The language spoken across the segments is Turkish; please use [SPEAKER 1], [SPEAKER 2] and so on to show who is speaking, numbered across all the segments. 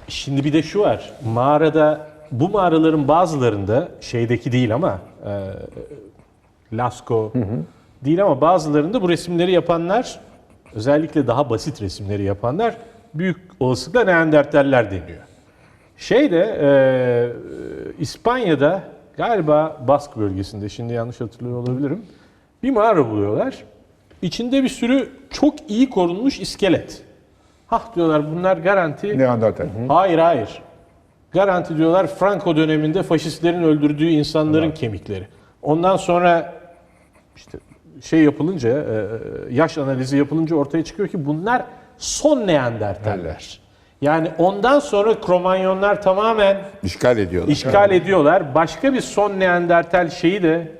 [SPEAKER 1] Şimdi bir de şu var. Bu mağaraların bazılarında şeydeki değil ama Lascaux değil ama bazılarında bu resimleri yapanlar, özellikle daha basit resimleri yapanlar büyük olasılıkla Neandertaller deniyor. İspanya'da galiba Bask bölgesinde, şimdi yanlış hatırlıyor olabilirim, bir mağara buluyorlar. İçinde bir sürü çok iyi korunmuş iskelet. Hah diyorlar, bunlar garanti.
[SPEAKER 2] Neandertal.
[SPEAKER 1] Hayır. Garanti diyorlar Franco döneminde faşistlerin öldürdüğü insanların kemikleri. Ondan sonra işte yapılınca, yaş analizi yapılınca ortaya çıkıyor ki bunlar son Neandertaller. Yani ondan sonra Kromanyonlar tamamen
[SPEAKER 3] işgal
[SPEAKER 1] ediyorlar. Başka bir son Neandertal şeyi de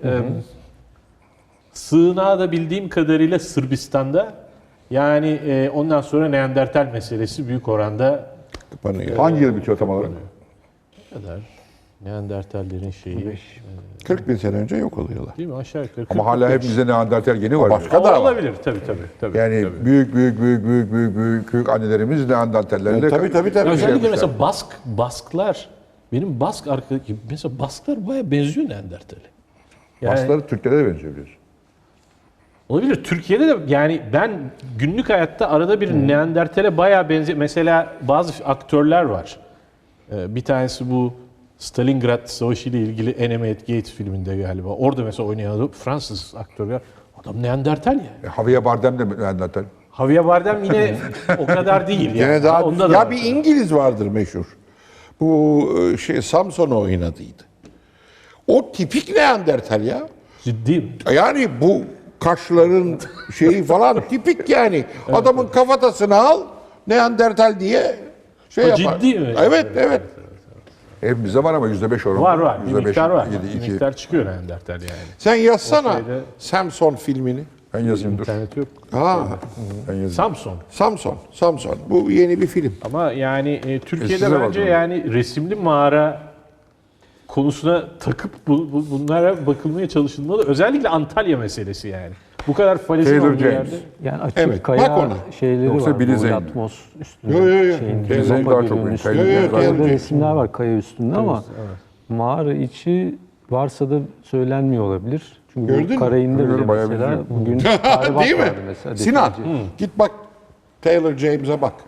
[SPEAKER 1] sığınağı da bildiğim kadarıyla Sırbistan'da. Yani ondan sonra Neandertal meselesi büyük oranda
[SPEAKER 2] Hangi yıl bitiyor tam olarak?
[SPEAKER 1] ne kadar Neandertallerin şeyi
[SPEAKER 3] 40 bin sene önce yok oluyorlar.
[SPEAKER 1] değil mi, aşağı yukarı.
[SPEAKER 2] Ama hala hepimizde Neandertal geni var.
[SPEAKER 3] Başka da var.
[SPEAKER 1] Olabilir tabii.
[SPEAKER 2] Yani
[SPEAKER 1] tabii.
[SPEAKER 2] büyük annelerimiz Neandertallerle
[SPEAKER 3] Tabii.
[SPEAKER 1] Özellikle mesela Basklar, benim mesela Basklar bayağı benziyor Neandertal'e. Yani,
[SPEAKER 2] Baskları Türklere de benziyor biliyorsun.
[SPEAKER 1] olabilir. Türkiye'de de yani ben günlük hayatta arada bir Neandertal'e bayağı benziyor. Mesela bazı aktörler var. Bir tanesi bu Stalingrad Savaşı ile ilgili Enemy at Gates filminde galiba. Orada mesela oynayan adam Fransız aktör. Adam Neandertal ya.
[SPEAKER 2] Javier Bardem de Neandertal.
[SPEAKER 1] Javier Bardem yine o kadar değil. Yani.
[SPEAKER 3] Gene daha
[SPEAKER 1] Onda da
[SPEAKER 3] ya
[SPEAKER 1] var.
[SPEAKER 3] bir İngiliz vardır meşhur. Bu Samson'u oynadıydı. O tipik Neandertal ya.
[SPEAKER 1] Ciddi mi?
[SPEAKER 3] Yani bu kaşların şeyi falan tipik yani. Adamın kafatasını al Neandertal diye yapar.
[SPEAKER 1] Ciddi mi?
[SPEAKER 3] Evet.
[SPEAKER 2] Hepimizde var ama %5 oranı.
[SPEAKER 1] Var. Bir
[SPEAKER 2] %5,
[SPEAKER 1] miktar var.
[SPEAKER 2] 7,
[SPEAKER 1] Bir
[SPEAKER 2] 2.
[SPEAKER 1] miktar çıkıyor Neandertal yani.
[SPEAKER 3] Sen yazsana
[SPEAKER 1] O şeyde-
[SPEAKER 3] Samson filmini.
[SPEAKER 2] Ben yazayım dur.
[SPEAKER 1] İnternet yok.
[SPEAKER 2] Ben yazayım.
[SPEAKER 1] Samson.
[SPEAKER 3] Bu yeni bir film.
[SPEAKER 1] Ama yani Türkiye'de
[SPEAKER 2] Size
[SPEAKER 1] bence
[SPEAKER 2] bakıyorum.
[SPEAKER 1] yani resimli mağara konusuna takıp bunlara bakılmaya çalışılmalı. Özellikle Antalya meselesi yani. Bu kadar falezin
[SPEAKER 2] Taylor
[SPEAKER 1] olduğu
[SPEAKER 2] James.
[SPEAKER 1] yerde.
[SPEAKER 4] Yani açık
[SPEAKER 3] Evet, bak
[SPEAKER 4] kaya
[SPEAKER 3] ona.
[SPEAKER 4] şeyleri
[SPEAKER 2] Yoksa
[SPEAKER 4] var.
[SPEAKER 2] Billy
[SPEAKER 4] Bu
[SPEAKER 2] Zane.
[SPEAKER 4] Yatmos üstünde.
[SPEAKER 3] Yo.
[SPEAKER 4] Şeyin,
[SPEAKER 2] Zane
[SPEAKER 4] Europa
[SPEAKER 2] daha çok
[SPEAKER 4] Gölü'nün
[SPEAKER 2] büyük.
[SPEAKER 4] üstünde.
[SPEAKER 2] Taylor James
[SPEAKER 3] Taylor
[SPEAKER 4] Orada
[SPEAKER 3] James.
[SPEAKER 4] resimler var kaya üstünde ama mağara içi varsa da söylenmiyor olabilir. Çünkü
[SPEAKER 3] Gördün mü?
[SPEAKER 4] bu Karayin'de bile
[SPEAKER 2] Görüyorum, bayağı
[SPEAKER 4] mesela
[SPEAKER 2] benziyor.
[SPEAKER 4] bugün tahribat
[SPEAKER 3] Değil mi?
[SPEAKER 4] vardı mesela.
[SPEAKER 3] Sinan
[SPEAKER 4] defineci.
[SPEAKER 3] git bak Taylor James'e bak.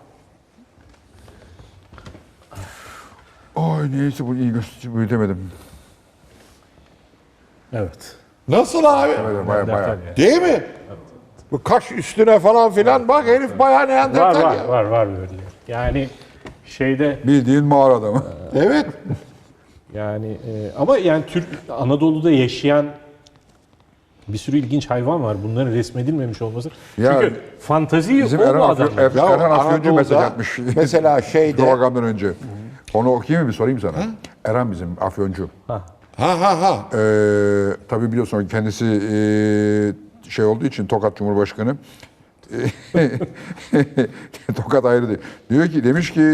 [SPEAKER 2] Ay neyse bu iyi büyütemedim.
[SPEAKER 1] Evet.
[SPEAKER 3] Nasıl abi?
[SPEAKER 2] Evet, bayağı.
[SPEAKER 1] Neandertal yani.
[SPEAKER 3] Değil mi? Bu kaş üstüne falan filan bak herif bayağı Neandertal ya.
[SPEAKER 1] Var böyle. Yani şeyde
[SPEAKER 2] Bildiğin mağara adamı.
[SPEAKER 3] Evet.
[SPEAKER 1] yani ama yani Anadolu'da yaşayan bir sürü ilginç hayvan var. Bunların resmedilmemiş olması.
[SPEAKER 2] Ya,
[SPEAKER 1] Çünkü fantaziyi
[SPEAKER 2] Bizim
[SPEAKER 1] o bu
[SPEAKER 2] Erhan
[SPEAKER 1] adamlar.
[SPEAKER 2] Afyoncu
[SPEAKER 3] Anadolu'da
[SPEAKER 2] mesaj atmış.
[SPEAKER 3] mesela şeyde
[SPEAKER 2] Programdan önce. Onu okuyayım mı bir sorayım sana. Erhan bizim Afyoncu.
[SPEAKER 3] ha.
[SPEAKER 2] Tabii biliyorsun kendisi şey olduğu için Tokat Cumhurbaşkanı. Tokat ayrı değil. Demiş ki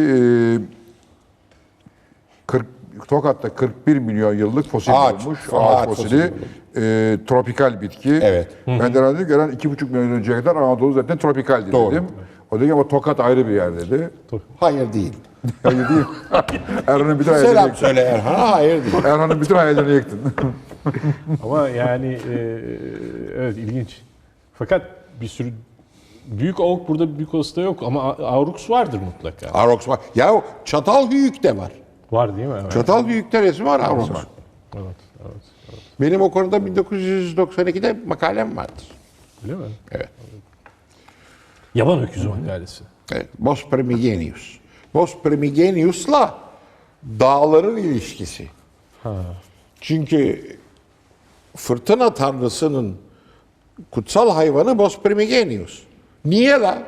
[SPEAKER 2] 40 Tokat'ta 41 milyon yıllık fosil
[SPEAKER 3] Ağaç,
[SPEAKER 2] bulmuş.
[SPEAKER 3] ağaç
[SPEAKER 2] Ağaç fosili. Tropikal bitki.
[SPEAKER 3] Evet.
[SPEAKER 2] Ben de herhalde dedim ki 2,5 milyon önceye kadar Anadolu zaten tropikaldi
[SPEAKER 3] Doğru.
[SPEAKER 2] dedim. O dedi ki ama Tokat ayrı bir yer dedi.
[SPEAKER 3] Hayır değil.
[SPEAKER 2] Hayır değil. Erhan'ın bütün hayallerini
[SPEAKER 3] Selam
[SPEAKER 2] yıktın.
[SPEAKER 3] söyle Erhan'a hayır değil.
[SPEAKER 2] Erhan'ın bütün hayallerini yıktın.
[SPEAKER 1] Ama yani evet ilginç. Fakat bir sürü büyük avuk burada büyük olası da yok ama Aurochs vardır mutlaka.
[SPEAKER 3] Aurochs var. Ya Çatalhöyük de var.
[SPEAKER 1] Var değil mi? Evet.
[SPEAKER 3] Çatalhöyük'te resmi var Aurochs.
[SPEAKER 1] Evet.
[SPEAKER 3] Benim o konuda 1992'de makalem vardır.
[SPEAKER 1] Öyle mi?
[SPEAKER 3] Evet.
[SPEAKER 1] Yaban öküzü makalesi.
[SPEAKER 3] Evet. Bos Primigenius. Bos Primigenius'la dağların ilişkisi. Çünkü fırtına tanrısının kutsal hayvanı Bos Primigenius. Niye la?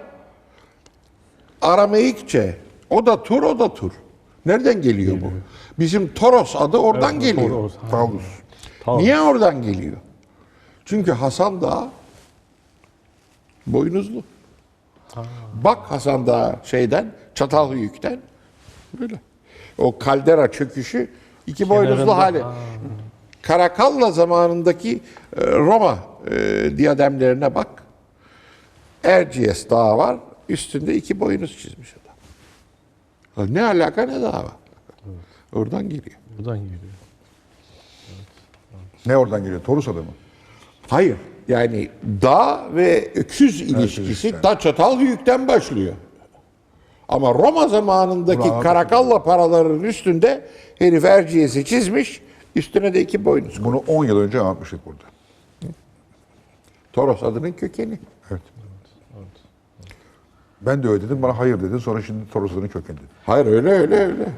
[SPEAKER 3] Arameikçe. O da tur. Nereden geliyor bu? Bizim Toros adı oradan geliyor.
[SPEAKER 1] Toros.
[SPEAKER 2] Taurus.
[SPEAKER 3] Niye oradan geliyor? Çünkü Hasan Dağı boynuzlu. Bak Hasan Dağı Çatalhöyük'ten böyle. O kaldera çöküşü iki boynuzlu
[SPEAKER 1] Kenarında.
[SPEAKER 3] hali. Karakalla zamanındaki Roma diyademlerine bak. Erciyes Dağı var. Üstünde iki boynuz çizmiş adam. Ne alaka ne dava. Oradan geliyor.
[SPEAKER 1] Buradan geliyor.
[SPEAKER 2] Ne oradan geliyor? Torus adamı.
[SPEAKER 3] Hayır. Yani dağ ve öküz ilişkisi
[SPEAKER 2] ilişkisi.
[SPEAKER 3] da çatal hüyükten başlıyor. Ama Roma zamanındaki
[SPEAKER 2] Bravo.
[SPEAKER 3] karakalla paraların üstünde herif erciyesi çizmiş, üstüne de 2 boynuz.
[SPEAKER 2] Bunu 10 yıl önce anlatmıştık burada.
[SPEAKER 3] Toros adının kökeni.
[SPEAKER 2] Evet. Ben de öyle dedim. Bana hayır dedin. Sonra şimdi Toros adının kökeni dedin.
[SPEAKER 3] Hayır öyle.